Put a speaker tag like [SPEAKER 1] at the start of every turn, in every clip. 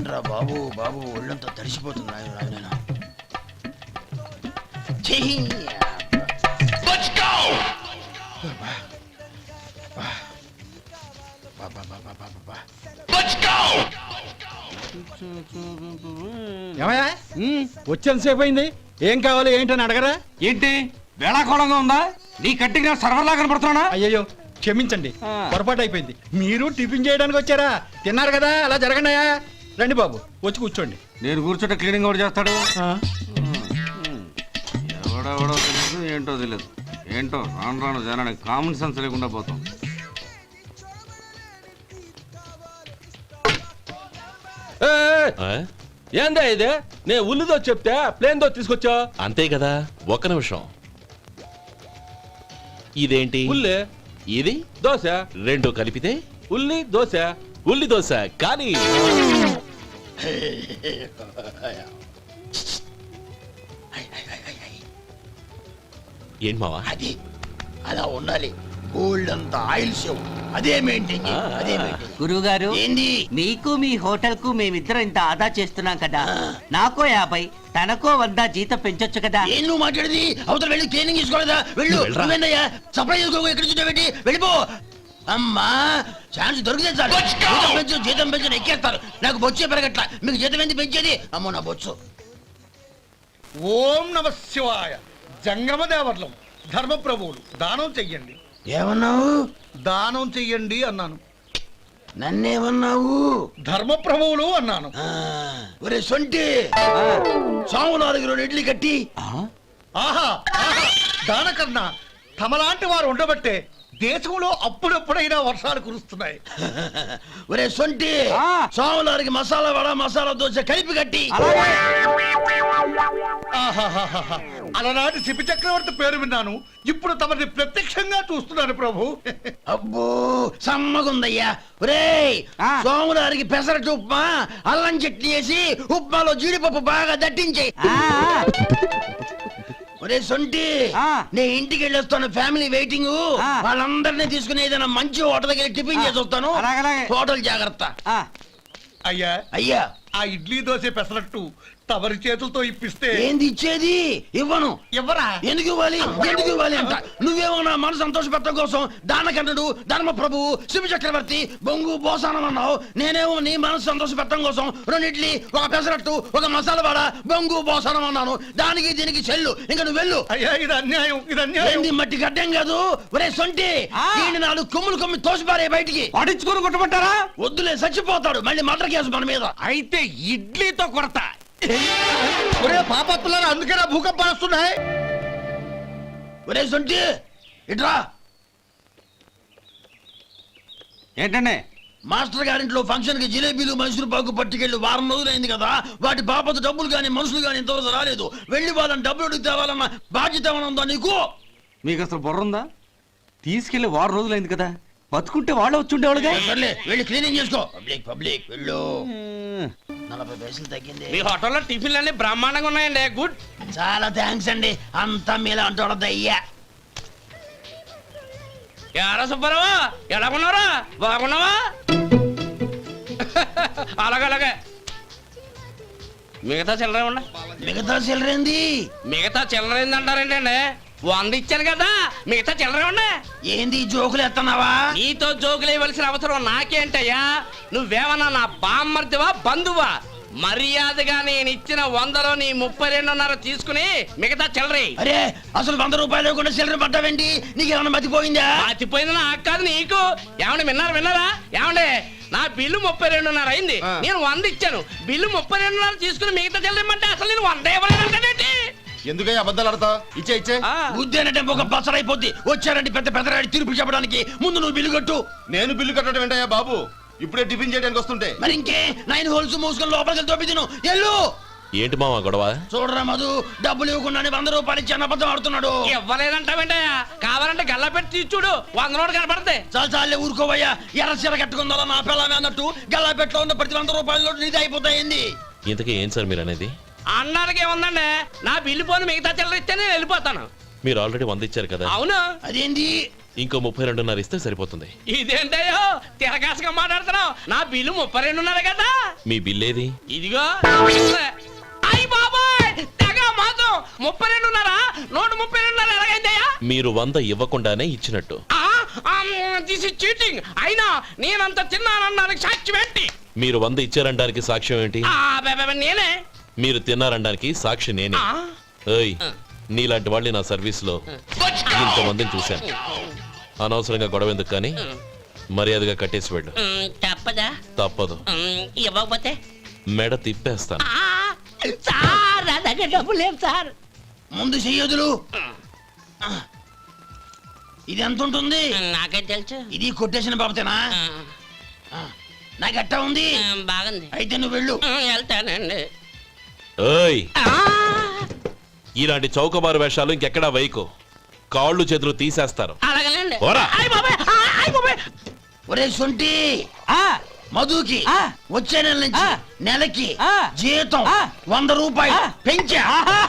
[SPEAKER 1] ఏంట్రా బాబు బాబు ఒళ్ళంతా తడిసిపోతుంది నాయన.
[SPEAKER 2] వచ్చేంతసేపు అయింది. ఏం కావాలి ఏంటని అడగరా?
[SPEAKER 3] ఏంటి వేళాకోళంగా ఉందా? నీ కట్టిగా సర్వర్లా కనపడుతున్నా?
[SPEAKER 2] అయ్యయ్యో క్షమించండి, పొరపాటు అయిపోయింది. మీరు టిఫిన్ చేయడానికి వచ్చారా? తిన్నారు కదా, అలా జరగండియా. రండి బాబు, వచ్చి కూర్చోండి.
[SPEAKER 3] నేను కూర్చుంటే క్లీనింగ్ కూడా చేస్తాడు. ఎవడెవడో తెలియదు, ఏంటో తెలియదు. ఏంటో రాను రాను జనానికి కామన్ సెన్స్ లేకుండా పోతాం.
[SPEAKER 4] ఏందా ఇదే? నేను ఉల్లిదో చెప్తే ప్లేన్ దో తీసుకొచ్చా
[SPEAKER 5] అంతే కదా. ఒక్క నిమిషం. ఇదేంటి?
[SPEAKER 4] ఉల్లి.
[SPEAKER 5] ఇది
[SPEAKER 4] దోశ.
[SPEAKER 5] రెండు కలిపితే
[SPEAKER 4] ఉల్లి దోశ.
[SPEAKER 5] ఉల్లి దోశ. కానీ ఏంటి మావా?
[SPEAKER 1] అది అలా ఉండాలి. గోల్డ్ అంత ఆయిల్ షో అదే మెయింటైన్ అదే మెయింటైన్.
[SPEAKER 6] గురువు గారు,
[SPEAKER 1] ఏంది?
[SPEAKER 6] మీకు మీ హోటల్ కు మేమిద్దరం ఇంత ఆదా చేస్తున్నాం కదా, నాకో 50 తనకో 100 జీతం పెంచొచ్చు కదా.
[SPEAKER 1] ఏం నువ్వు మాట్లాడేది? అవతల వెళ్ళి ట్రైనింగ్ తీసుకోలేదా? వెళ్ళు. నువ్వేందయ్యా సప్లై చేసుకో, ఎక్కడ చూడబెట్టి వెళ్ళిపో. అమ్మా ఛాన్స్ దొరికితే చాలు. జీతం పెంచు ఎక్కేస్తారు. నాకు బొచ్చే పెరగట్ల. మీకు జీతం ఎందుకు పెంచేది? అమ్మో నా బొచ్చు.
[SPEAKER 2] ఓం నమ శివాయ. జంగమ దేవర్లం ధర్మప్రభువులు దానం చెయ్యండి.
[SPEAKER 1] ఏమన్నావు?
[SPEAKER 2] దానం చెయ్యండి అన్నాను.
[SPEAKER 1] నన్నేమన్నావు?
[SPEAKER 2] ధర్మప్రభువులు అన్నాను.
[SPEAKER 1] ఒరే సొంటి, సామునాలుగు 2 ఇడ్లీ కట్టి.
[SPEAKER 2] ఆహా దానకన్నా తమలాంటి వారు ఉండబట్టే దేశంలో అప్పుడప్పుడైనా వర్షాలు కురుస్తున్నాయి.
[SPEAKER 1] ఒరే సొంటి, సామునాలుగు మసాలా వడ మసాలా దోశ కలిపి కట్టి.
[SPEAKER 2] అలనాటి శిపి చక్రవర్తి పేరు విన్నాను, ఇప్పుడు తమని ప్రత్యక్షంగా చూస్తున్నాను ప్రభు.
[SPEAKER 1] అబ్బో సమ్మగుందయ్యా. ఒరే సోములారికి పెసరట్టు ఉప్మా అల్లం చట్నీ వేసి ఉప్మాలో జీడిపప్పు బాగా దట్టించే. ఒరే సొంటి, నే ఇంటికి వెళ్ళొస్తాను. Family waiting. వాళ్ళందరినీ తీసుకుని ఏదైనా మంచి హోటల్ దగ్గర టిఫిన్ చేసి వస్తాను. హోటల్ జాగ్రత్త.
[SPEAKER 2] అయ్యా
[SPEAKER 1] అయ్యా,
[SPEAKER 2] ఆ ఇడ్లీ దోశ పెసరట్టు తమరి చేతులతో ఇప్పిస్తే.
[SPEAKER 1] ఏంది ఇచ్చేది? ఇవ్వను.
[SPEAKER 2] ఎవరా?
[SPEAKER 1] ఎందుకు ఇవ్వాలి? ఎందుకు ఇవ్వాలి అంట. నువ్వేమో నా మనసు సంతోషపెట్టడం కోసం దానకన్నుడు ధర్మ ప్రభువు శివ చక్రవర్తి బొంగు బోసానం అన్నావు. నేనేమో నీ మనసు సంతోషపెట్టడం కోసం 2 ఇడ్లీ, ఒక పెసరట్టు, ఒక మసాలా వడ, బొంగు బోసానం అన్నాను. దానికి దీనికి చెల్లు. ఇంకా నువ్వు వెళ్ళు.
[SPEAKER 2] అయ్యా ఇది అన్యాయం, ఇది అన్యాయం.
[SPEAKER 1] ఏంది మట్టి గడ్డం కాదు. ఒరే సొంటి, దీన్ని 4 కొమ్ములు తోసిపారే బయటికి.
[SPEAKER 3] పడించుకొని కొట్టమంటారా?
[SPEAKER 1] వద్దులే, చచ్చిపోతాడు. మళ్ళీ మటర్ కేసు మన మీద.
[SPEAKER 3] అయితే ఇడ్లీతో కొడతా.
[SPEAKER 2] ఒరే పాపత్తులారా, అందుకేనా భూకంపాలు వస్తున్నాయి?
[SPEAKER 1] ఒరే సొంటి ఇట్రా.
[SPEAKER 3] ఏంటండి?
[SPEAKER 1] మాస్టర్ గారింట్లో ఫంక్షన్ కి జిలేబీలు మైసూరు పాకు పట్టుకెళ్ళి 1 వారం రోజులైంది కదా. వాటి బాపత డబ్బులు గాని మనుషులు గాని ఇంతవరకు రాలేదు. వెళ్ళి వాళ్ళని డబ్బులు అడిగి తేవాలన్న బాధ్యత ఏమైనా ఉందా నీకు?
[SPEAKER 3] మీకు అసలు బుర్ర ఉందా? తీసుకెళ్లి 1 వారం రోజులైంది కదా, బతుకుంటే వాళ్ళు వచ్చుండేవాళ్ళుగా.
[SPEAKER 1] సర్లే, వెళ్ళి క్లీనింగ్ చేసుకో. పబ్లిక్ వెళ్ళు. 40 పైసలు తగ్గింది.
[SPEAKER 4] మీ హోటల్లో టిఫిన్లు అన్ని బ్రహ్మాండంగా ఉన్నాయండి. గుడ్.
[SPEAKER 1] చాలా థ్యాంక్స్ అండి. అంతా మీలా అంటోడద్దయ్యా.
[SPEAKER 4] ఎరా సుబ్బారావు, ఎలా ఉన్నారా? బాగున్నావా? అలాగే మిగతా చిల్లర ఉండ.
[SPEAKER 1] మిగతా చిల్లరేంది?
[SPEAKER 4] మిగతా చిల్లరేంది అంటారేంటండి? 100 ఇచ్చాను కదా, మిగతా చిల్లర ఉండే.
[SPEAKER 1] ఏంది జోకులు ఎత్తన్నావా?
[SPEAKER 4] నీతో జోకులు ఇవ్వాల్సిన అవసరం నాకేంటయ్యా? నువ్వేమన్నా నా బామ్మర్దివా బంధువా? మర్యాదగా నేను ఇచ్చిన 100లో నీ 32.5 తీసుకుని మిగతా చిల్లరే.
[SPEAKER 1] అరే అసలు 100 రూపాయలు లేకుండా చిల్లర పడ్డావేంటి? నీకేమన్నా మతిపోయిందా?
[SPEAKER 4] మతిపోయింది నాకు కాదు, నీకు. ఏమండి విన్నారా? ఏమండి నా బిల్లు 32.5 అయింది. నేను 100 ఇచ్చాను. బిల్లు 32.5 తీసుకుని మిగతా చిల్లరేమంటే అసలు నేను 100 ఇవ్వలేదంటే
[SPEAKER 5] ఎందుకయ్యా అబద్ధాలు ఆడతా? ఇచ్చే
[SPEAKER 1] బుద్ధేనంటే ఒక బసరైపోద్ది. వచ్చారంటే పెద్ద పెద్దరాడి తీర్పు చెప్పడానికి ముందు నువ్వు బిల్లు కట్టు.
[SPEAKER 5] నేను బిల్లు కట్టడం ఏంటయ్యా బాబు? ఇప్పుడే టిఫిన్ చేయడానికి వస్తుంటే.
[SPEAKER 1] మరి ఇంకే 9 హోల్స్ మూసుకొని లోపలికి తోపి తిను. ఎల్లు.
[SPEAKER 5] ఏంటి మావా గొడవ?
[SPEAKER 1] చూడరా మధు, డబ్బులు ఇవ్వకుండానే 100 రూపాయలు ఇచ్చి అబద్ధం ఆడుతున్నాడు.
[SPEAKER 4] ఇవ్వలేదంటావేంటయ్యా? కావాలంటే గల్లా పెట్టి తీసి చూడు, 100 నోటు కనపడతాయి.
[SPEAKER 1] చాలే ఊరుకోవయ్యా. ఎర్ర చీర కట్టుకుందా నా పిల్లమే అన్నట్టు గల్లా పెట్టలో ఉన్న ప్రతి 100 రూపాయలు నీది అయిపోతాయింది.
[SPEAKER 5] ఇంతకీ ఏం సార్ మీరు అనేది?
[SPEAKER 4] అన్నాళ్ళకి ఏముందండి, నా బిల్లు పోను మిగతా చిల్లర ఇస్తే నేను వెళ్ళిపోతాను.
[SPEAKER 5] మీరు ఆల్రెడీ 100 ఇచ్చారు కదా.
[SPEAKER 4] అవును.
[SPEAKER 1] అదేంటి?
[SPEAKER 7] ఇంకో 32.5 ఇస్తే సరిపోతుంది.
[SPEAKER 4] ఇదేంటయ్యో తిరగాసుగా మాట్లాడుతున్నావు? నా బిల్లు 32.5 కదా.
[SPEAKER 7] మీ బిల్ ఏది?
[SPEAKER 4] ఇదిగో. అయ్య బాబాయ్ తెగ మాతో 32.5 నోటు 32.5 ఎలాగైందయ్యా?
[SPEAKER 7] మీరు 100 ఇవ్వకుండానే ఇచ్చినట్టు.
[SPEAKER 4] This is cheating. అయినా నేనంత తిన్నానన్నానికి సాక్ష్యం ఏంటి?
[SPEAKER 7] మీరు 100 ఇచ్చారనడానికి సాక్ష్యం ఏంటి?
[SPEAKER 4] నేనే.
[SPEAKER 7] మీరు తిన్నారనడానికి సాక్షి నేనే. ఏయ్, నీలాంటి వాళ్ళని నా సర్వీస్ లో ఇంతమందిని చూశాను. అనవసరంగా గొడవ ఎందుకు కానీ మర్యాదగా కట్టేసి వెళ్ళు.
[SPEAKER 4] తప్పదా?
[SPEAKER 7] తప్పదు.
[SPEAKER 4] ఇవ్వకపోతే
[SPEAKER 7] మెడ తిప్పేస్తాను.
[SPEAKER 4] సార్ నా దగ్గర డబ్బు లేవు సార్.
[SPEAKER 1] ముందు చెయ్యదులు. ఇది ఎంత ఉంటుంది?
[SPEAKER 4] నాకే తెలుసు.
[SPEAKER 1] ఇది కొట్టేసిన బాబతేనా? నాకు అట్టా ఉంది.
[SPEAKER 4] బాగుంది.
[SPEAKER 1] అయితే నువ్వు వెళ్ళు.
[SPEAKER 4] వెళ్తానండి.
[SPEAKER 7] ఏయ్, ఇలాంటి చౌకబారు వేషాలు ఇంకెక్కడా వైకో. కాళ్ళు చేతులు తీసేస్తారు.
[SPEAKER 4] అలాగేనండి.
[SPEAKER 7] పోరా.
[SPEAKER 1] ఒరే సొంటి, మధుకి వచ్చే నెల నుంచి నెలకి జీతం 100 రూపాయలు పెంచా.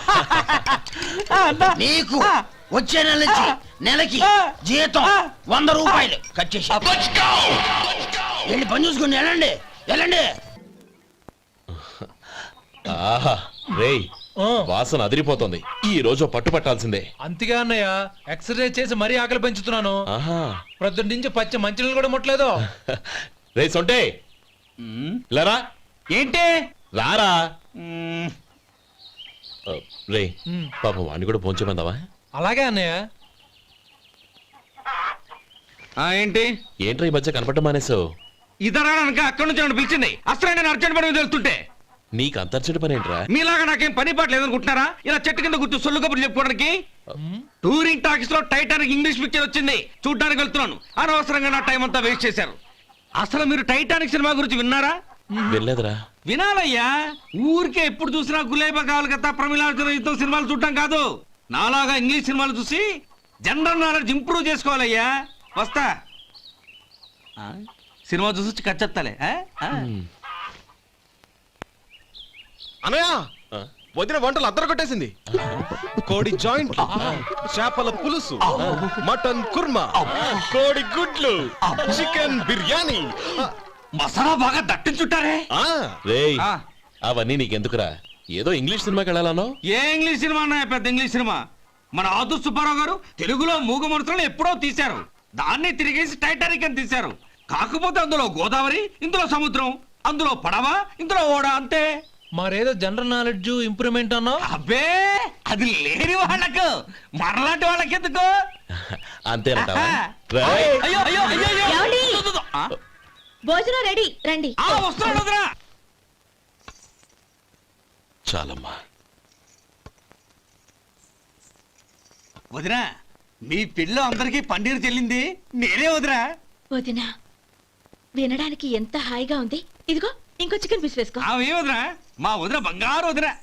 [SPEAKER 1] నీకు వచ్చే నెల నుంచి నెలకి జీతం 100 రూపాయలు కట్ చేసి వెళ్ళి పని చూసుకుని వెళ్ళండి వెళ్ళండి.
[SPEAKER 7] ఆహా రేయ్, వాసన అదిరిపోతుంది. ఈ రోజు పట్టుపట్టాల్సిందే.
[SPEAKER 8] అంతగా అన్నయ్య, ఎక్సర్సైజ్ చేసి మరీ ఆకలి పెంచుతున్నాను.
[SPEAKER 7] ఆహా,
[SPEAKER 8] ప్రొద్దున నుంచి పచ్చ మంచినీళ్ళు కూడా ముట్టలేదు.
[SPEAKER 7] రే సొంటే, లరా
[SPEAKER 3] ఏంటి?
[SPEAKER 7] రారా. రే పాపం వాడిని కూడా పోంచమందావా?
[SPEAKER 8] అలాగే అన్నయ్య.
[SPEAKER 3] ఏంటి?
[SPEAKER 7] ఏంట్రా ఈ మధ్య కనపడటం మానేసావు?
[SPEAKER 3] ఇదరాక అక్కడి నుంచి నన్ను పిలిచింది. అసలు నేను అర్జెంట్ పని మీద వెళ్తుంటే
[SPEAKER 7] నీకు అంతర్చడి పని ఏంట్రా?
[SPEAKER 3] మీలాగా నాకేం పని పాట లేదనుకుంటున్నారా? ఇలా చెట్టు కింద కూర్చో సొల్లు కబుర్లు చెప్పుకోవడానికి. టూరింగ్ టాకీస్ లో టైటానిక్ ఇంగ్లీష్ పిక్చర్ వచ్చింది, చూడ్డానికి వెళ్తున్నాను. అనవసరంగా నా టైం అంతా వేస్ట్ చేశారు. అసలు మీరు టైటానిక్ సినిమా గురించి విన్నారా?
[SPEAKER 7] వెళ్ళలేదురా.
[SPEAKER 3] వినాలయ్యా. ఊరికే ఎప్పుడు చూసినా గులేబా కావాలి కదా, ప్రమిళార్జున యుద్ధం సినిమాలు చూడటం కాదు. నాలాగా ఇంగ్లీష్ సినిమాలు చూసి జనరల్ నాలెడ్జ్ ఇంప్రూవ్ చేసుకోవాలయ్యా. వస్తా. సినిమా చూసి కచ్చెత్తాలే.
[SPEAKER 5] అనయ్య,
[SPEAKER 7] ఆ?
[SPEAKER 5] వదిన వంటలు అద్దరు కొట్టేసింది. కోడి జాయింట్, చేపల పులుసు, మటన్ కుర్మా, కోడి గుడ్లు, చికెన్ బిర్యానీ.
[SPEAKER 3] మసాలా బాగా దట్టించుంటారే.
[SPEAKER 7] రేయ్,
[SPEAKER 3] ఆ.
[SPEAKER 7] అవన్నీ నీకెందుకురా? ఏదో ఇంగ్లీష్ సినిమాకి వెళ్ళాలనో.
[SPEAKER 3] ఏ ఇంగ్లీష్ సినిమా అన్నా? పెద్ద ఇంగ్లీష్ సినిమా. మన ఆదు సుబ్బారావు గారు తెలుగులో మూగ మనుషులను ఎప్పుడో తీశారు. దాన్ని తిరిగేసి టైటానిక్ అని తీశారు. కాకపోతే అందులో గోదావరి, ఇందులో సముద్రం, అందులో పడవ, ఇందులో ఓడ, అంతే.
[SPEAKER 8] మరేదో జనరల్ నాలెడ్జ్ ఇంప్రూవ్మెంట్ అన్నావు.
[SPEAKER 3] అబ్బే, అది లేని వాళ్ళకు, మరలాంటి వాళ్ళకి ఎందుకు?
[SPEAKER 7] అంతేనంటావా?
[SPEAKER 3] ఆహా.
[SPEAKER 7] రేయ్,
[SPEAKER 3] అయ్యో అయ్యో అయ్యో అయ్యో.
[SPEAKER 9] ఏమండి?
[SPEAKER 3] ఆ?
[SPEAKER 9] భోజనం రెడీ రండి.
[SPEAKER 3] వస్తున్నాడు వదినా.
[SPEAKER 7] చాలమ్మా.
[SPEAKER 3] వదినా, మీ పిల్ల అందరికీ పన్నీరు చెల్లింది నేనే వదినా.
[SPEAKER 9] వదినా, వినడానికి ఎంత హాయిగా ఉంది. ఇదిగో ఇంకో చికెన్ పీస్ వేసుకో.
[SPEAKER 3] ఏ వదినా? మా వదిన బంగారు వదినా.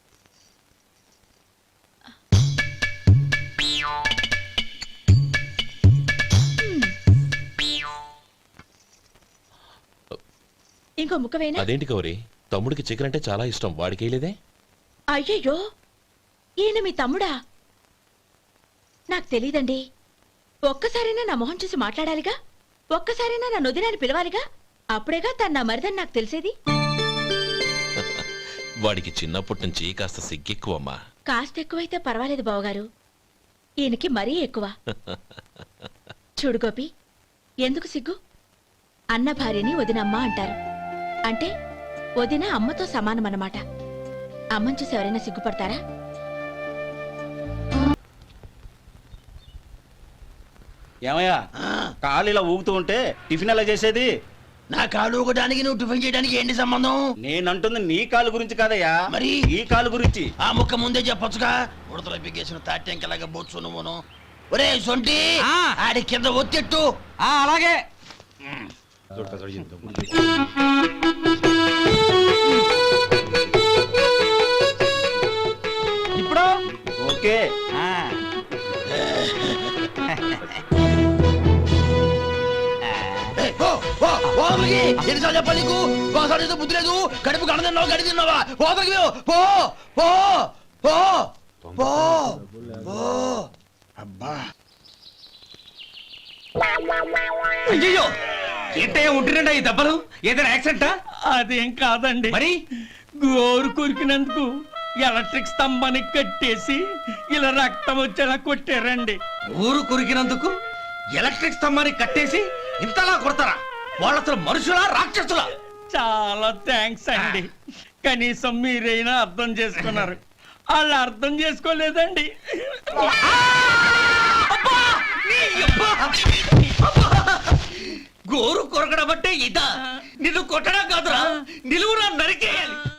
[SPEAKER 9] ఇంకో ముక్క వేయనా?
[SPEAKER 7] అదేంటి గౌరీ, తమ్ముడికి చికెన్ అంటే చాలా ఇష్టం, వాడికి వేయలేదే?
[SPEAKER 9] అయ్యయ్యో, ఈయన మీ తమ్ముడా? నాకు తెలీదండి. ఒక్కసారైనా నా మొహం చూసి మాట్లాడాలిగా, ఒక్కసారైనా నా నొదినాన్ని పిలవాలిగా. అప్పుడేగా తన నా మరిదని నాకు తెలిసేది.
[SPEAKER 7] వాడికి చిన్నప్పటి నుంచి కాస్త సిగ్గెక్కువమ్మా.
[SPEAKER 9] కాస్త ఎక్కువైతే పర్వాలేదు బావగారు, ఈయనకి మరీ ఎక్కువ. చూడు గోపి, ఎందుకు సిగ్గు? అన్న భార్యని వదినమ్మ అంటారు. అంటే వదిన అమ్మతో సమానమన్నమాట. అమ్మని చూసి ఎవరైనా సిగ్గుపడతారా?
[SPEAKER 10] ఏమయ్యా, కాలు ఇలా ఊగుతూ ఉంటే టిఫిన్ ఎలా చేసేది?
[SPEAKER 1] నా కాలు ఊగడానికి నువ్వు టిఫిన్ చేయడానికి ఏంటి సంబంధం?
[SPEAKER 10] నేనంటుంది నీ కాలు గురించి కాదయ్యా,
[SPEAKER 1] మరి
[SPEAKER 10] ఈ కాలు గురించి.
[SPEAKER 1] ఆ ముక్క ముందే చెప్పొచ్చుగా. ఉడతలో పిగ్గేసిన తాటెంకలాగా బొచ్చు నువ్వును. ఒరే సొంటి, ఆడి కింద ఒత్తెట్టు.
[SPEAKER 3] అలాగే. ఇప్పుడు
[SPEAKER 10] ఓకే.
[SPEAKER 1] ఎన్నిసార్లు చెప్పాలి నీకు? ఒకసారి ఏదో బుద్ధి లేదు. కడుపు కడ తిన్నావు, గడి తిన్నావా? పోతలకి పో పో పో పో పో. అబ్బా,
[SPEAKER 3] అయ్యో ఏంటయ్యా ఉంటున్నాడా ఈ దెబ్బలు ఏదైనా యాక్సిడెంటా?
[SPEAKER 4] అదేం కాదండి
[SPEAKER 3] మరి
[SPEAKER 4] గోరు కొరికినందుకు ఎలక్ట్రిక్ స్తంభానికి కట్టేసి ఇలా రక్తం వచ్చేలా కొట్టారండి.
[SPEAKER 3] ఊరు కొరికినందుకు ఎలక్ట్రిక్ స్తంభాన్ని కట్టేసి ఇంతలా కొడతారా? వాళ్ళు అసలు మనుషులా రాక్షసులా?
[SPEAKER 4] చాలా థ్యాంక్స్ అండి. కనీసం మీరైనా అర్థం చేసుకున్నారు. వాళ్ళు అర్థం చేసుకోలేదండి.
[SPEAKER 3] గోరు కొరకడం అంటే ఇదా? నిన్ను కొట్టడం కాదురా, నిలువురా నరికేయాలి.